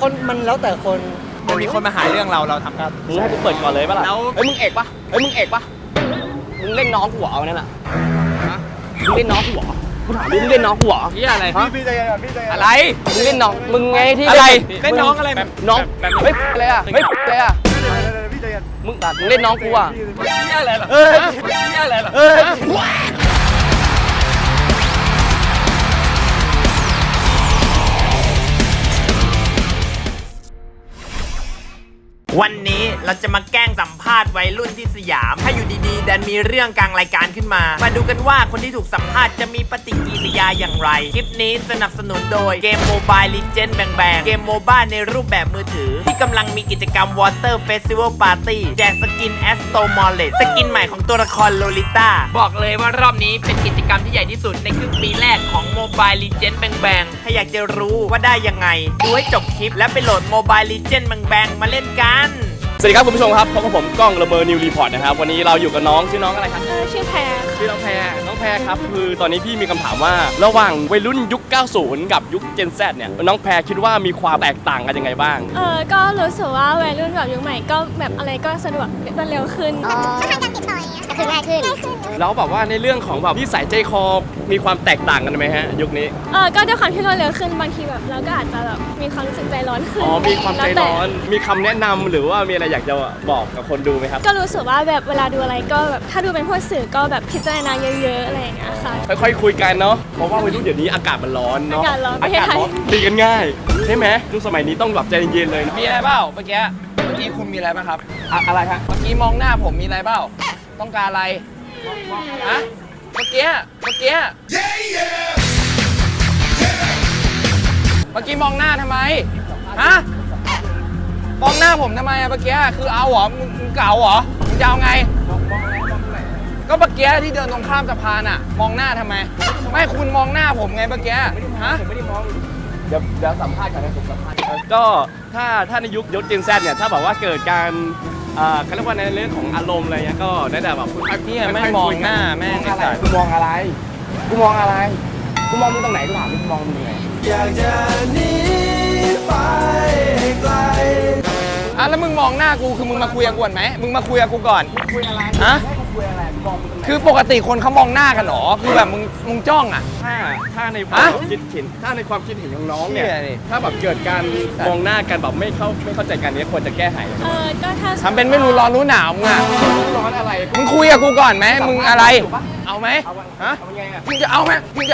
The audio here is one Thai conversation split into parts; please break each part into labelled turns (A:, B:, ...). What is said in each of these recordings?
A: คนมันแล้วแต่คน
B: มันมีคนมาหาเรื่องเราทำครับ
C: มึงให้กูเปิดก่อนเลยป่ะล่ะ
B: แล้ว
C: เฮ้ยมึงเอกปะมึงเล่นน้องกูเหรอเอานั่นน่ะมึงเล่นน้องกูเหรอกูถามมึงเล่นน้องกูเหรอ
B: พี่อะไร
A: พี่ใจเย็นพี่ใจเย็น
B: อะไร
C: มึงเล่นน้องมึงไงที่
B: อะไร
C: เล่
B: เล่นน้องอะไร
C: น้องเฮ้ยอะไรอ่ะเฮ้ยอะไรอ่ะ
A: พี่ใจเย็น
C: มึงเล่นน้องกูอ่ะ
B: พี่อะไรเหรอพี่อะไรเหรอ
D: วันนี้เราจะมาแกล้งสัมภาษณ์วัยรุ่นที่สยาม ถ้าอยู่ดีๆดันมีเรื่องกลางรายการขึ้นมา มาดูกันว่าคนที่ถูกสัมภาษณ์จะมีปฏิกิริยาอย่างไร คลิปนี้สนับสนุนโดยเกม Mobile Legends แบงเกมโมบ้าในรูปแบบมือถือ ที่กำลังมีกิจกรรม Water Festival Party แจกสกิน Astro Mollet สกินใหม่ของตัวละครโลลิต้าบอกเลยว่ารอบนี้เป็นกิจกรรมที่ใหญ่ที่สุดในครึ่งปีแรกของ Mobile Legends แบงถ้าอยากจะรู้ว่าได้ยังไงดูให้จบคลิปและไปโหลด Mobile Legends แบงมาเล่นกัน
C: สวัสดีครับคุณผู้ชมครับพบกับผมก้องระเมอนิวรีพอร์ตนะครับวันนี้เราอยู่กับน้องชื่อน้องอะไรครับ
E: ชื่อแพร
C: ชื่อน้องแพรครับคือตอนนี้พี่มีคำถามว่าระหว่างวัยรุ่นยุค 90 กับยุค Gen Z เนี่ยน้องแพรคิดว่ามีความแตกต่างกันยังไงบ้าง
E: ก็รู้สึกว่าวัยรุ่นแบบยุคใหม่ก็แบบอะไรก็สะดวกรวดเร็วขึ้น
F: ช่องทางการติดต่ออย่างเงี้ยก็คือง่ายขึ้น
C: แล้วแบบว่าในเรื่องของแบบนิสัยใจคอมีความแตกต่างกันไหมฮะยุคนี้
E: ก็ด้วยความที่รวดเร็วขึ้นบางทีแบบเราก็อาจจะแบบมีความรู้สึกใจร้อนขึ้น
C: มีความใจร้อนมีคำแนะนำหรือว่ามีอะไรอยากจะบอกกับคนดูไหมครับ
E: ก็รู้สึกว่าแบบเวลาดูอะไรก็แบบถ้าดูเป็นพวกสื่อก็แบบพิจารณาเยอะๆอะไรอย่างเงี้ยค่ะ
C: ค่อยๆคุยกันเนาะเพราะว่าวัยรุ่นเดี๋ยวนี้อากาศมันร้อนเนาะ
E: อากาศร้อนประเทศไทย
C: ตีกันง่ายใช่ไหมยุคสมัยนี้ต้องแบบใจเย็นๆเลย
B: มีอะไรเปล่าเมื่อกี้คุณมีอะไรบ้างครับ
C: อะไรฮะ
B: เมื่อกี้มองหน้าผมมีอะไรเปล่าต้องการอะไรฮะเมื่อกี้เมื่อกี้มองหน้าทำไมฮะมองหน้าผมทำไมอะเมื่อกี้คือเอาเหรอมึงเก่าเหรอมึงจะเอาไงก็เมื่อกี้ที่เดินตรงข้ามสะพานอะมองหน้าทำไมไม่คุณมองหน้าผมไงเมื่อกี้ฮะ
C: ผมไม่ได้มองเดี๋ยวสัมภาษณ์กันนะผมสัมภาษณ์ก็ถ้าในยุคGen Zเนี่ยถ้าแบบว่าเกิดการเขาเรียกว่าในเรื่องของอารมณ์อะไรเงี้ยก็ได้แต่แบบคุณ
B: พี่ไม่มองหน้าแม่งไอ้สัตว์
C: กูมองอะไรกูมองมึงตรงไหนกูถามกูมองมึงยังไงอยากจะหนีไปไกล
B: แล้วมึงมองหน้ากูคือมึงมาคุยกับกูก่อนไหมมึงมาคุยกับกูก่อน
C: คุยอะไร
B: ฮะ
C: คุยอะไรมองมึงตรงไหน
B: คือปกติคนเขามองหน้ากันหรอคือแบบมึงจ้องอ่ะ
C: ถ้าในความคิดเห็นของน้องเนี่ยถ้าแบบเกิดการมองหน้ากันแบบไม่เข้าใจกันนี้ควรจะแก้ไข
E: ก็ถ้า
B: ทำเป็นไม่รู้ร้อนรู้หนาวมึงอ่ะ
C: ร้อนอะไร
B: มึงคุยกับกูก่อนไหมมึงอะไรเอาไหมฮะมึงจะเอาไหม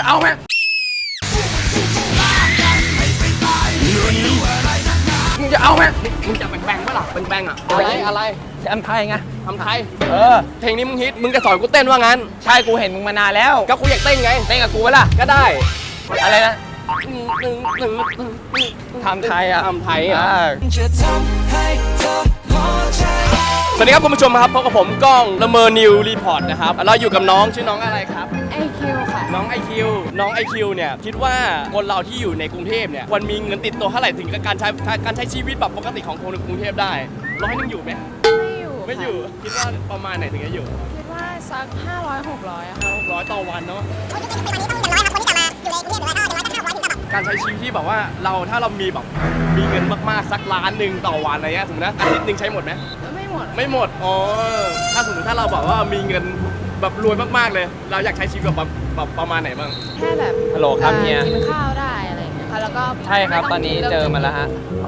B: มึงจะเอาไหม
C: มึงจะแบงปะล่ะแบงอ่ะอะไร
B: ทำไทยไง
C: ทำไทยเพลงนี้มึงฮิตมึงจะสอนกูเต้นว่างั้น
B: ใช่กูเห็นมึงมานานแล้ว
C: ก็กูอยากเต้นไง
B: เต้นกับกูไหมล่ะ
C: ก็ได้
B: อะไรนะทำไทยอ่ะ
C: สวัสดีครับคุณผู้ชมครับพบกับผมก้องละเมอนิวรีพอร์ตนะครับเราอยู่กับน้องชื่อน้องอะไรครับ
E: IQ ค่ะ
C: น้อง IQ เนี่ยคิดว่าคนเราที่อยู่ในกรุงเทพเนี่ยควรมีเงินติดตัวเท่าไหร่ถึงกับการใช้ชีวิตแบบปกติของคนในกรุงเทพได้100นึงอยู่ไหมไม่อยู่คิดว่าประมาณไหนถึงจะอยู่
E: คิดว่าสัก500-600อะค่ะ
C: 600ต่อวันเนาะการใช้ชีวิตที่แบบว่าถ้าเรามีแบบมีเงินมากๆสักล้านหนึ่งต่อวันอะไรเงี้ยสมมตินะอาทิตย์นึงใช้หมดไหมไม่หมดถ้าสมมติถ้าเราแบบว่ามีเงินแบบรวยมากๆเลยเราอยากใช้ชีวิตแบบประมาณไหนบ้าง
E: แค่แบบ
B: ฮัลโหลครับเฮีย
E: กินข้าวได้อะไรอย่างเงี้ยค่ะแล้วก็
B: ใช่ครับตอนนี้เจอมาแล้วฮะ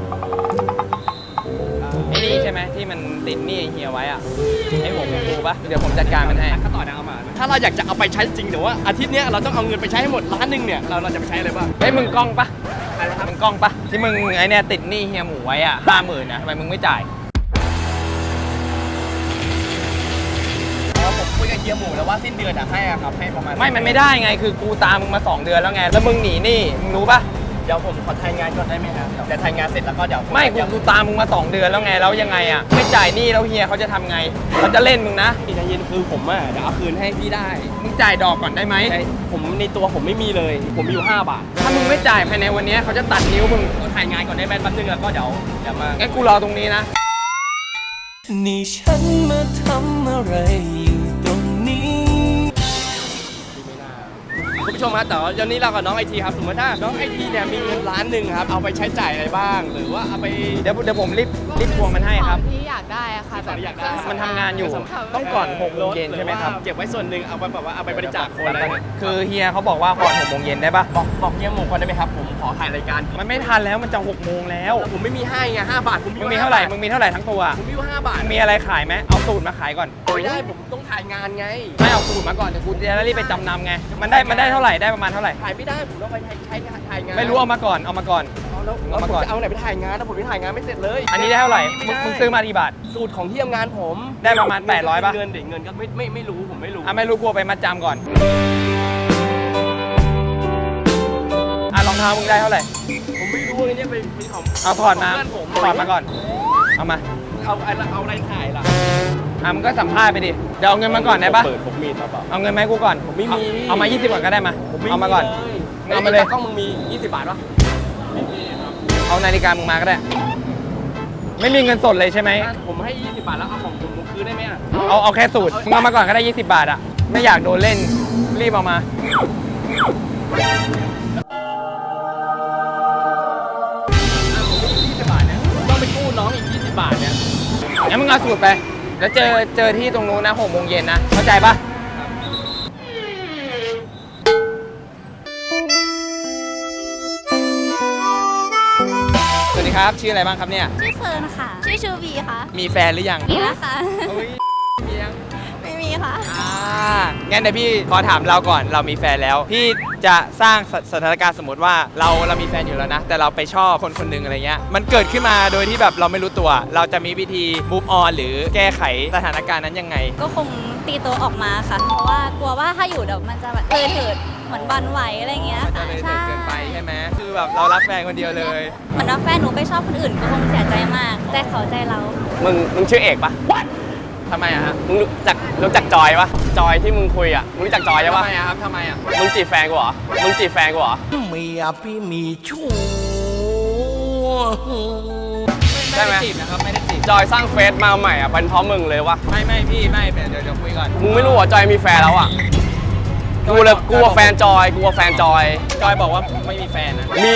B: ไอ้นี่ใช่ไหมที่มันติดหนี้เฮียไว้อะไอ้หัวฟูปะเดี๋ยวผมจัดการมันให้
C: ก็ต่อเอามาถ้าเราอยากจะเอาไปใช้จริงแต่ว่าอาทิตย์นี้เราต้องเอาเงินไปใช้ให้หมดล้านนึงเนี่ยเราจะไปใช้อะไรบ้าง
B: มึงกล้องปะมึงกล้องปะที่มึงไอ้เนี่ยติดหนี้เฮียหมูไว้อะ50,000นะทำไมมึงไม่จ่าย
C: ผมคุยกับเฮียหมูแล้วว่าสิ้นเดือนให้ครับให้ประมาณ
B: มันไม่ได้ไงคือกูตามมึงมา2 เดือนแล้วไงแล้วมึงหนีหนี้มึงรู้ปะ
C: เดี๋ยวผมขอทายงานก่อนได้ไหมครับเดี๋ยวทายงานเสร็จแล้วก็เดี๋ยว
B: ไม่กูตามมึงมา2 เดือนแล้วไงแล้วยังไงอ่ะไม่จ่ายหนี้แล้วเฮียเขาจะทำไงเขาจะเล่นมึงนะ
C: ใจเย็นคือผมเดี๋ยวเอาคืนให้พี่ได้
B: มึงจ่ายดอกก่อนได้ไหม
C: ผมในตัวผมไม่มีเลยผมมีอยู่5 บาท
B: ถ้ามึงไม่จ่ายภายในวันนี้เขาจะตัดนิ้วมึง
C: ถ่ายงานก่อนได้ไหมแป๊บนึงแล้วก็เดี๋ยวมา
B: งั้นกูรอตรงนี้นะ
F: นี่ฉันมาทำอะไรอยู่ตรงนี้
C: คุณผู้ชมครับแต่ว่าเดี๋ยวนี้เรากับน้องไอทีครับสมมติถ้าน้องไอทีเนี่ยมีเงินล้านหนึ่งครับเอาไปใช้จ่ายอะไรบ้าง หรือว่าเอาไป
B: เดี๋ยวผมรีบทวงมันให้ครับ
G: ที่อยากได้อะค่ะ
C: ที่อยากได้
B: มันทำงานอยู่ต้องก่อน6 โมงเย็นใช่ไหมครับ
C: เก็บไว้ส่วนหนึ่งเอาไปแบบว่าเอาไปบริจาคคนอะไรเนี่ย
B: คือเฮียเขาบอกว่าก่อน6 โมงเย็นได้ปะ
C: บอกเยี่ยมมงคลได้ไหมครับผมขอถ่ายรายการ
B: มันไม่ทันแล้วมันจะ6 โมงแล้ว
C: ผมไม่มีให้ไง5 บาทผม
B: มึงมีเท่าไหร่มึงมีเท่าไหร่ทั้งตัว
C: ผมมีอยู่5 บาท
B: มึงมีอะไรขายไหมเอาสูตรมาขายก่อน
C: ไม่ได้ผมต้องถ่ายงานไง
B: ไม่เอาสูตรมาก่อนเดี๋ยวกูจะรีบไปจำนำไงมันได้เท่าไหร่ได้ประมาณเท่าไหร่
C: ถ่ายไม่ได้ผมต้องไปใช้ถ่ายงาน
B: ไม่รู้เอามาก่อนเอามาก่อน
C: แล้ว
B: เอามาก่อน
C: ผมจะเอาไหนไปถ่ายงานถ้าผมไม่ถ่ายงานไม่เสร็จเลย
B: อันนี้ได้เท่าไหร่มึงซื้อมากี่บาท
C: สูตรของที่ทำงานผม
B: ได้ประมาณ800ป่ะ
C: เงินเด็กเงินก็ไม่รู้ผมไม่รู้
B: อ่ะไม่รู้กลัวไปมัดจำก่อนอ่ะรองเท้ามึงได้เท่าไหร่
C: ผมไม่รู้ว่าเนี่ยเป็นของ
B: เอาถอดมา
C: เพื่อนผม
B: ถอดมาก่อนเอามา
C: เอาอะไรถ่ายล่ะ
B: อ่ะมึงก็สัมภาษณ์ไปดิเดี๋ยวเอาเงินมาก่อนได้ปะ
C: เปิดผมมีครับ
B: เอาเงินมาให้กูก่อน
C: ผมไม่มี
B: เอามา20ก่อนก็ได้มาเอามาก่อน เอามาเลย
C: กล้องมึงมี20 บาทปะ
B: เอานาฬิกามึงมาก็ได้ ไม่มีเงินสดเลยใช่ไหม
C: ผมให้20 บาทแล้วเอาของผมคืนได้ไหมอ่ะ
B: เอาแค่สูตรมึงเอามาก่อนก็ได้20 บาทอ่ะไม่อยากโดนเล่นรีบเอามา
C: 20 บาทเนี่ยต้องไปกู้น้องอีก20 บาทเนี่ย
B: งั้นมึงเอาสูตรไป แล้วเจอที่ตรงนู้นนะ6 โมงเย็นนะ เข้าใจปะสวัสดีครับ ชื่ออะไรบ้างครับเนี่ย
E: ชื่อเฟิร์นค่ะ ชื่อชูบีค่ะ
B: มีแฟนหรือยัง
E: มีแล้วค่ะ
B: โอ้ยมียัง
E: ไม่มีค่ะ
B: งั้นเดี๋ยวพี่ขอถามเราก่อน เรามีแฟนแล้ว พี่จะสร้างสถานการณ์สมมติว่าเรามีแฟนอยู่แล้วนะ แต่เราไปชอบคนหนึ่งอะไรเงี้ย มันเกิดขึ้นมาโดยที่แบบเราไม่รู้ตัว เราจะมีวิธี move on หรือแก้ไขสถานการณ์นั้นยังไง
E: ก็คงตีตัวออกมาค่ะ เพราะว่ากลัวว่าถ้าอยู่เดี๋ยวมันจะแบบเถิดเหมือนบันไหวอะไรเงี้ย
B: มันจะ
E: ค่ะ
B: เลยเกินไปใช่ไหมคือแบบเรารักแฟนคนเดียวเลย
E: เหมือนว่าแฟนหนูไปชอบคนอื่นก็คงเสียใจมาก แต่เขาใจเรา
C: มึงชื่อเอกปะ
B: ทำไมอะฮะ
C: มึงรู้จักจอยปะจอยที่มึงคุยอ่ะมึงรู้จักจอยใช่
B: ทำ
C: ปะ
B: ไมอะครับทำไมอะ
C: มึงจีบแฟนกูเหรอมึงจีบแฟนกูเหรอ
F: เมียพี่มีชู้
B: ไม่ได้จีบนะครับไม่ได้จีบ
C: จอยสร้างเฟซมาใหม่อ่ะเป็นเพราะมึงเลยวะ
B: ไม่พี่ไม่เดี๋ยวคุยก่อน
C: มึงไม่รู้เหรอจอยมีแฟนแล้วอ่ะกูเลยกลัวแฟนจอยกลัวแฟนจอย
B: จอยบอกว่าไม่มีแฟนนะ
C: มี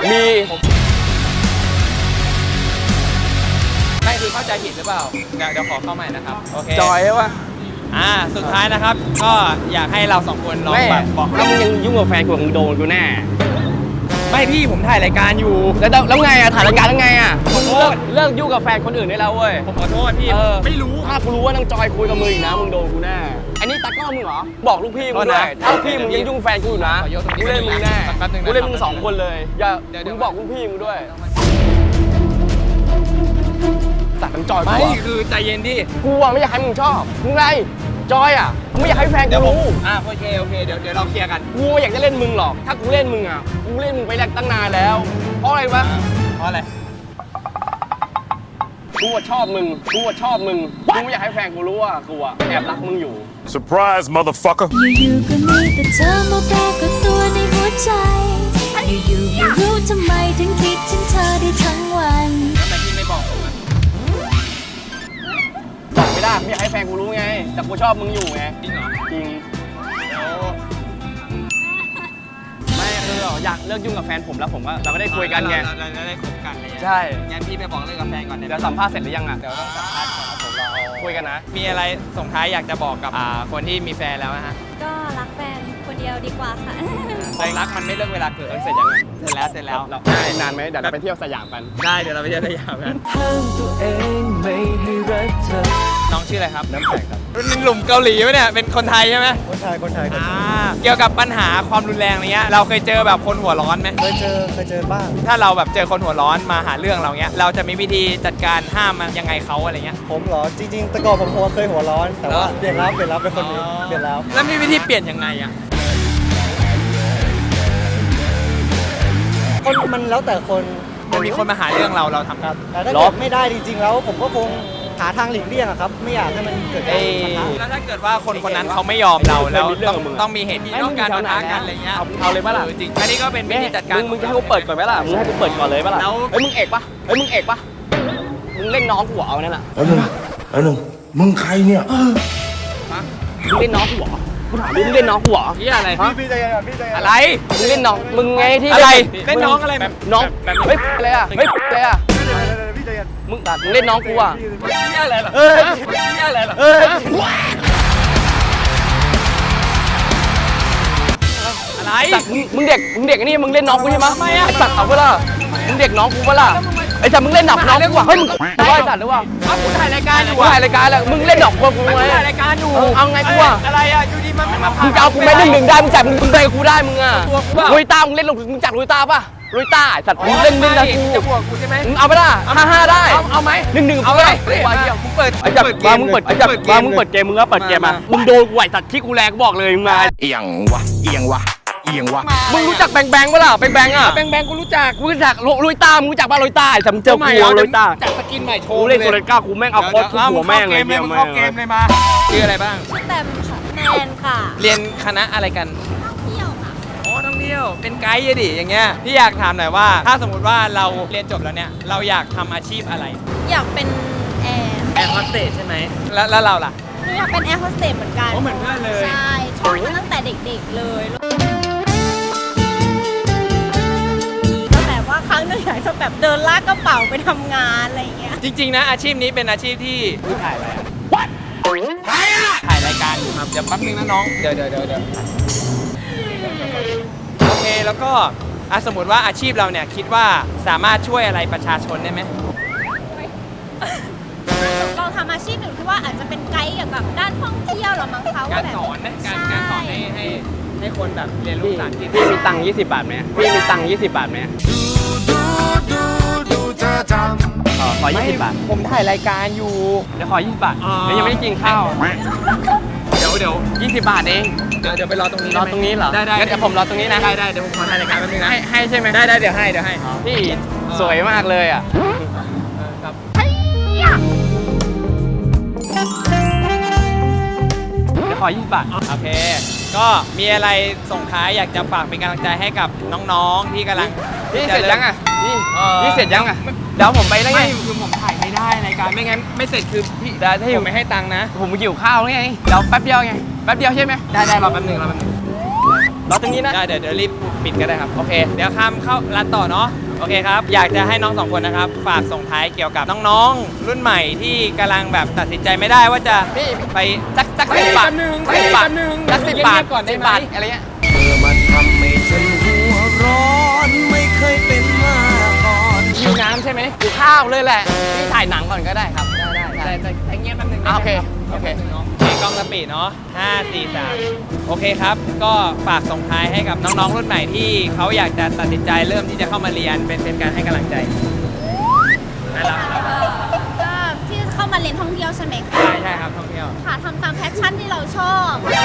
B: ไม่คือเข้าใจผิดหรือเปล่าเดี๋ยวขอเข้าใหม่นะครับโอเค
C: จอยใช่ปะ
B: สุดท้ายนะครับ ก็อยากให้เราสองคนลอง
C: ไม่
B: แบบบอก
C: ถ้ามึงยังยุ่งกับแฟนกูมึงโดนกูแน่
B: ไม่พี่ผมถ่ายรายการอยู่
C: แล้วไงอ่ะถ่ายรายการแล้วไงอ่ะ
B: ขอโทษ
C: เลิกยุ่งกับแฟนคนอื่นได้แล้วเว้ย
B: ผมขอโทษพี่ ไม่รู้
C: ถ้ากูรู้ว่านางจอยคุยกับมึงอีกนะมึงโดนกูแน่อันนี้ตากล้องมึงเหรอบอกลูกพี่มึงด้วยถ้าลูกพี่มึงยังยุ่งแฟนกูอยู่นะกูเล่นมึงแน่กูเล่นมึง2 คนเลยอย่ามึงบอกลูกพี่มึงด้วยตัดน้ำจอยกู
B: ไม่
C: อะ
B: คือใจเย็นดิ
C: กูอะไม่อยากให้มึงชอบมึงไรจอยอ่ะกูไม่อยากให้แฟนกูรู้
B: โอเคเดี๋ยวเราเคลียร์กัน
C: กูไม่อยากจะเล่นมึงหรอก ถ้ากูเล่นมึงอ่ะ กูเล่นมึงไปแรกตั้งนานแล้ว เพราะอะไรวะ
B: เพราะอะไร
C: กูชอบมึง กูชอบมึง กูไม่อยากให้แฟนกูรู้ว่ากูอะแอบรักมึงอยู่
H: Surprise, motherfucker.
I: อยู่ๆก็มีแต่เธอมาปรากฏตัวในหัวใจ อยู่ๆไม่รู้ทำไมถึงคิดถึงเธอได้ทั้งวัน
B: ทำไมพี่ไม่บอกผมอะ
C: บอกไม่ได้ไม่อยากให้แฟนกูรู้ไง แต่กูชอบมึงอยู่ไง
B: จริงเหรอ
C: จริง
B: เดี๋ยว
C: ไม่คืออยากเลิกยุ่งกับแฟนผมแล้วผมว่าเราก็ได้คุยกันไง
B: เราจะได้คบกันเลย
C: ใช่
B: งั้นพี่ไปบอกเลิกกับแฟนก่อน
C: เดี๋ยวสัมภาษณ์เสร็จหรือยังอ่ะ
B: เดี๋ยวต้องสัมภาษณ์ก่อนครับผมเรา
C: คุยกันนะ
B: มีอะไรส่งท้ายอยากจะบอกกับคนที่มีแฟนแล้วนะฮะ
E: ก็รักแฟนคนเดียวดีกว่าค่ะ
B: ความรักมันไม่เลิกเวลาเกิด
C: เสร็จยังไง
B: เสร็จแล้ว
C: เรานานไหมเดี๋ยวเราไปเที่ยวสยามกัน
B: ได้เดี๋ยวเราไปเที่ยวสยามกัน
F: ห้ามตัวเองไม่ให้รักเธอ
B: น้องชื่ออะไรครับ
C: น้ำแข็งครับ
B: เป็นหลุมเกาหลีไหมเนี่ยเป็นคนไทยใช่ไหม
A: คนไทย
B: เกี่ยวกับปัญหาความรุนแรงอะไรเงี้ยเราเคยเจอแบบคนหัวร้อนไหม
A: เคยเจอบ้าง
B: ถ้าเราแบบเจอคนหัวร้อนมาหาเรื่องเราเงี้ยเราจะมีวิธีจัดการห้ามมันยังไงเขาอะไรเงี้ย
A: ผมเหรอ จริงๆ แต่ก่อนผมเคยหัวร้อน แต่ว่า
B: เหรอ
A: เปลี่ยนแล้วเป็นคนนี้ เปลี่ยนแล้ว
B: แล้วมีวิธีเปลี่ยนยังไงอ่ะ
A: มันแล้วแต่คน
B: มันมีคนมาหาเรื่องเราทำ
A: ครับ แต่ถ้าเกิดไม่ได้จริงๆ แล้วผมก็คงหาทางหลีกเลี่ยงอะครับ ไม่อยากให้มันเกิดการปะทะ
B: แล้วถ้าเกิดว่าคนคนนั้นเขาไม่ยอมเราแล้วต้องมีเหตุที่ต้องการปะทะกันอะไรเงี้ย
C: เอาเลยปะล่ะ
B: จริงอันนี้ก็เป็นวิธีจัดการ
C: มึงจะให้กูเปิดก่อนไหมล่ะ มึงให้กูเปิดก่อนเลยปะล่ะ
B: แล้ว
C: เฮ้ยมึงเอกปะมึงเล่นน้องกูเหรอเอานั่นน่ะ
H: I know.
F: มึงใครเนี่ย
C: มึงเล่นน้องกูเหรอกูถามมึงเล่นน้องกูเหรอ
B: พี่อะไร
A: พี่ใจเย็นก่อนพี่ใจเย็น
B: อะไร
C: มึงเล่นน้องมึงไงที่
B: อะไร
C: เล่นน้องอะไรน้องเฮ้ยอะไรอ่ะเฮ้ยอะไรอ่ะ
A: พี่ใจเย็น
C: มึงเล่นน้องกูอ่ะ
B: พี่อะไรเหรอ
A: เอ้ย
B: พี่อะไรเหรอ
A: เอ้ย
B: อะไร
C: สัตว์มึงเด็กนี่มึงเล่นน้องกูใช่ไหมไอ้สัตว์เอาเปล่ามึงเด็กน้องกูเปล่าไอ้สัตว์มึงเล่นหนักน้องกูอ่ะเฮ้ยมึงว่าไอ้สัตว์หรือเปล่า
B: เอากูถ่ายรายการอยู่
C: กูถ่ายรายการแล้วมึงเล่นดอกกูไหม
B: ถ่ายรายการอยู่
C: เอาไงกูอ่ะ
B: อะไรอ่ะอยู่ดีมันไม่มา
C: มึงจะเอากูไหม1-1ได้มึงจับมึงไปกับกูได้มึงอ่ะ
B: ตัวกูเปล่า
C: ลุยตามึงเล่นมึงจัดลุยตาป่ะลุยตาไอ้สัตว์มึงเล่นนะกู
B: จะบวกกูใช่ไหม
C: มึงเอาไปละ5-5ได้
B: เอาไหม
C: 1-1
B: เอา
C: เอา
B: ไห
C: ไป
B: ม
C: เดี๋ยว
B: มึงเปิด
C: ไอ้จับมามึงเปิดไอ้จับมามึงเปิดเกมมึงก็เปิดเกมมามึงโดนกูไหวสัตว์ที่กูแรงกูบอกเลยมึงมา
H: เอียงวะ เอียงวะ เอียงวะ
C: มึงรู้จักแบงปะล่ะแบงอ่ะ
B: แบงกูรู้จัก
C: กูรู้จักลุยตามึงรู้จักป่ะลุยตาไอ้สัตว์มึงเจอกูลุยตา
B: จัดสกินใหม่โชว์
C: กูเล่นโซเลก้ากูแม่งเอาโคตรทุกหัวแม่งเลย
B: มึงเข้าเกมเลยมาชื่ออะไรบ้าง
E: แตมค่ะแมนค่ะ
B: เรียนคณะอะไรกัน
E: เที่ยวค่ะ
B: อ๋อท่องเที่ยว เป็นไกด์อะดิอย่างเงี้ย พี่อยากถามหน่อยว่า ถ้าสมมติว่าเราเรียนจบแล้วเนี่ย เราอยากทำอาชีพอะไร
E: อยากเป็นแอร์
B: แอร์โฮสเตสใช่ไหม แล้วเราล่ะ
E: หนูอยากเป็นแอร์โฮสเตสเหมือนกัน
B: โอ้เหมือนเพื่อนเลย
E: ใช่ชอบมาตั้งแต่เด็กๆเลยก็แบบว่าครั้งหนึงอยากจะแบบเดินลากกระเป๋าไปทำงานอะไรอย่างเงี้ย
B: จริงๆนะอาชีพนี้เป็นอาชีพที่ถ่ายอะไรอะ What ถ่ายรายการอยู่ครับ เดี๋ยวแป๊บนึงนะน้อง เดี๋ยวโอเคแล้วก็สมมติว่าอาชีพเราเนี่ยคิดว่าสามารถช่วยอะไรประชาชนได้ไหม
E: ลองทำอาชีพหนึ่งที่ว่าอาจจะเป็นไกด์เกี่ยวกับด้านท่องเที่ยวหรอมั้งคะ
B: การ
E: แบบ
B: สอนนะการสอนให้คนแบบเรียนรู้ภาษาอังกฤษ
C: พี่มีตังค์20 บาทไหมพี่มีตังค์20 บาทไหมขอ20 บาท
B: ผมถ่ายรายการอยู่
C: เดี๋ยวขอ20 บาทเดี๋ยวยังไม่ได้กินข้าว
B: เดี๋ยว
C: 20 บาทเอง
B: เดี๋ยวไปรอตรงนี้
C: รอตรงนี้เหรอ
B: ได้
C: งั้นเดี๋ยวผมรอตรงนี้นะ
B: ได้เดี๋ยวผมขอถ่ายรายการแป๊บนึงนะ
C: ให้ใช่ไหม
B: ได้เดี๋ยวให้
C: พี่สวยมากเลยอ่ะ
B: ครับ
C: เดี๋ยวขอ20 บาท
B: โอเค ก็มีอะไรส่งท้ายอยากจะฝากเป็นกำลังใจให้กับน้องๆที่กำลัง
C: พี่เสร็จยังอ่ะพี่
B: เออ
C: พี่เสร็จยังอ่ะเดี๋ยวผมไปได้ไง
B: ไม่คือผมถ่ายไม่ได้รายการไม่งั้นไม่เสร็จคือพี่
C: ได้ถ้าอยู่
B: ผมไม่ให้ตังค์นะ
C: ผมหิวข้าวไงเดี๋ยวแป๊บเดียวไงแป๊บเดียวใช่ไหม
B: ได้รอแป๊บนึง
C: รอตรงนี้นะ
B: ได้เดี๋ยวรีบปิดก็ได้ครับโอเคเดี๋ยวข้ามเข้าร้านต่อเนาะโอเคครับอยากจะให้น้องสองคนนะครับฝากส่งท้ายเกี่ยวกับน้องๆรุ่นใหม่ที่กำลังแบบตัดสินใจไม่ได้ว่าจะไป
C: สัก10 บาท10 บาทสัก10 บาท
B: ก่อนได้
C: 10
B: ไหม
C: บาทอะไรเงี้ย
F: เมื่อมันทำให้ฉันหัวร้อนไม่เคยเป็นมาก่อน
B: หิวน้ำใช่ไหม
C: หิวข้าวเลยแหละพี่ถ่ายหนังก่อนก็ได้ครับได้
B: แต่เงียบแป๊บนึง
C: โอเค
B: โอเคน้องกล้องสปีดเนาะ5 4 3โอเคครับก็ฝากส่งท้ายให้กับน้องๆรุ่นใหม่ที่เขาอยากจะตัดสินใจเริ่มที่จะเข้ามาเรียนเป็นการให้กำลังใจน่ารัก
E: ก็ที่เข้ามาเรียนท่องเที่ยวใช่ไหมคะ
B: ใช่ครับท่องเที่ยว
E: ค่ะทำตามแพชชั่นที่เราชอบ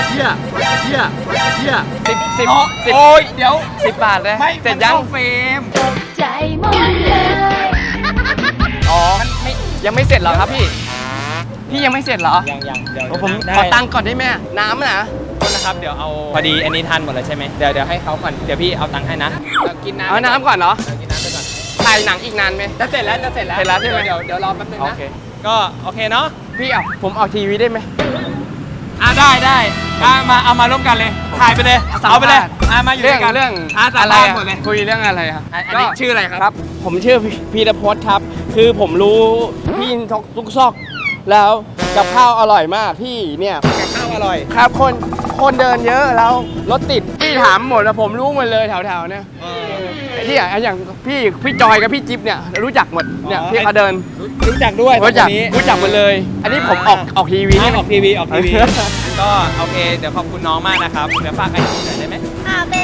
C: 10
B: โอ้ยเดี๋ยว
C: 10 บาทเลย
B: ไม่
C: เสร็จยัง
B: มันเข้าเฟรม
I: ใจหมดเลย
C: อ๋อยังไม่เสร็จเหรอครับพี่ยังไม่เสร็จเหรอ
B: ยังเดี๋ยว
C: โอ้ผม
B: ได้
C: ขอตังค์ก่อนได้ไหมน้ำนะ
B: โทษนะครับเดี๋ยวเอาพอดีอันนี้ทันหมดแล้วใช่ไหมเดี๋ยวให้เขาก่อนเดี๋ยวพี่เอาตังค์ให้นะกินน้ำ
C: เอาน้ำก่อนเหรอ
B: กินน้ำไปก่อน
C: ถ่ายหนังอีกนานไหม
B: จะเสร็จแล้ว
C: เสร็จแล้วใช่ไหม
B: เดี๋ยวรอแป๊บนึง
C: โอ
B: นะ
C: เค
B: ก็โอเคเนาะ
C: พี่เอาผมออกทีวีได้ไหม
B: ได้เอามาร่วมกันเลยถ่ายไปเลยเอาไปเลยมาอยู่ด้วยกัน
C: เรื่อง
B: สัม
C: อะไร
B: ภาษณ์
C: อะ
B: หมดเลย
C: คุยเรื่องอะไรครับ
B: อันนี้ชื่ออะไรครับ
C: ครับ ผมชื่อพีรพจน์ครับ คือผมรู้พี่ทุกซอกแล้วกับข้าวอร่อยมากพี่เนี่ย
B: ข้าวอร่อย
C: ครับคนเดินเยอะแล้วรถติดพี่ถามหมดแล้วผมรู้หมดเลยแถวๆเนี่ยไอ้ที่อย่างพี่จอยกับพี่จิ๊บเนี่ยรู้จักหมดเนี่ยพี่เขาเดิน
B: รู้จักด้วย
C: รู้จัก
B: คนนี้
C: หมดเลย อันนี้ผมออกทีวี
B: อ
C: นี่
B: อกทีวีก็โอเคเดี๋ยวขอบคุณน้องมากนะครับเดี๋ยวฝากไอจีหน่อยได้ไหม
E: ค่ะเป็น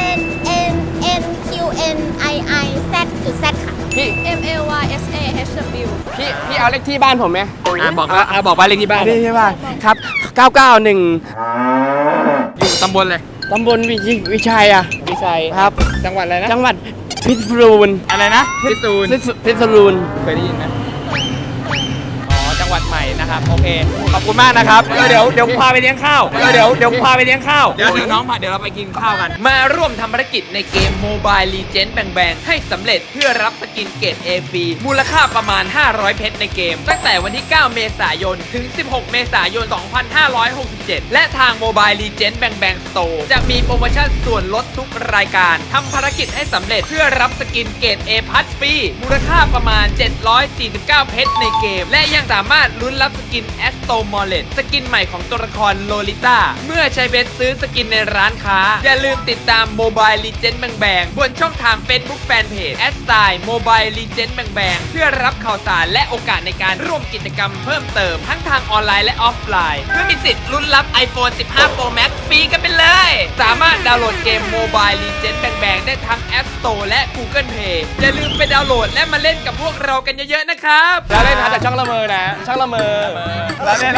E: NNQNII Z ค่ะ
C: พี่
E: MLYSAHW
C: พี่เอาเลขที่บ้านผมไหม
B: บอกบ้านเลขที่บ้าน
C: เลขที่บ้านครับ 991
B: อยู่ตำบลเลย
C: ตำบลวิชัยอ่ะ
B: วิชัย
C: ครับ
B: จังหวัดอะไรนะ
C: จังหวัดพิษณุโลก
B: อะไรนะพิษณุ
C: พิษณุโลก
B: เคยได้ยินไหมอ๋อจังจังหวัดใหม่นะครับโอเคขอบคุณมากนะครับเดี๋ยวพาไปเลี้ยงข้าวเดี๋ยวพาไปเลี้ยงข้าวเดี๋ยวน้องเดี๋ยวเราไปกินข้าวกันมาร่วมทำภารกิจในเกม Mobile Legends แบ่งๆให้สำเร็จเพื่อรับสกินเกรด A ฟรีมูลค่าประมาณ500เพชรในเกมตั้งแต่วันที่ 9 เมษายนถึง 16 เมษายน 2567 และทาง Mobile Legends แบ่งๆ Store จะมีโปรโมชั่นส่วนลดทุกรายการทำภารกิจให้สำเร็จเพื่อรับสกินเกรด A พัทฟรีมูลค่าประมาณ749เพชรในเกมและยังสามารถลุ้นรับสกินแอสโตมอลเลตสกินใหม่ของตัวละครโลลิต้าเมื่อใช้เบสซื้อสกินในร้านค้าอย่าลืมติดตาม Mobile Legends แบ่งๆบนช่องทาง Facebook Fanpage @Mobile Legends แบ่งๆเพื่อรับข่าวสารและโอกาสในการร่วมกิจกรรมเพิ่มเติมทั้งทางออนไลน์และออฟไลน์เพื่อมีสิทธิ์ลุ้นรับ iPhone 15 Pro Max ฟรีกันไปเลยสามารถดาวน์โหลดเกม Mobile Legends แบ่งๆได้ทั้ง App Store และ Google Play อย่าลืมไปดาวน์โหลดและมาเล่นกับพวกเรากันเยอะๆนะครับแล้วเล่นนะแต่ช่างละเมอนะช่างละเมอแล้วเล่น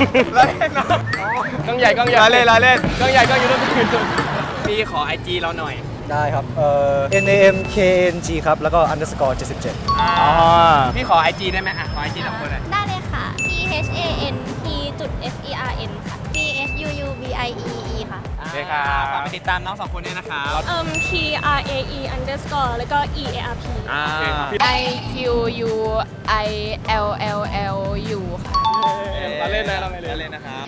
B: กล้องใหญ่กล้องใหญ่เล่นกล้องใหญ่กล้องอยู่ด้วยพี่ขอ IG เราหน่อย
A: ได้ครับNAMKNG ครับแล้วก็ _77
B: พี่ขอ IG ได้ไหมขอ IG สองคนเลย
E: ได้เลยค่ะ THANT.FERN ค่ะ THUUBIEE ค่ะ
B: โอเคครับฝากไปติดตามน้องสองคนด้วยนะครับ
I: TRAE_ แล้วก็ EARP
B: IQUILLLU ค่ะเราเล่นนะเราไม่เล่นนะครับ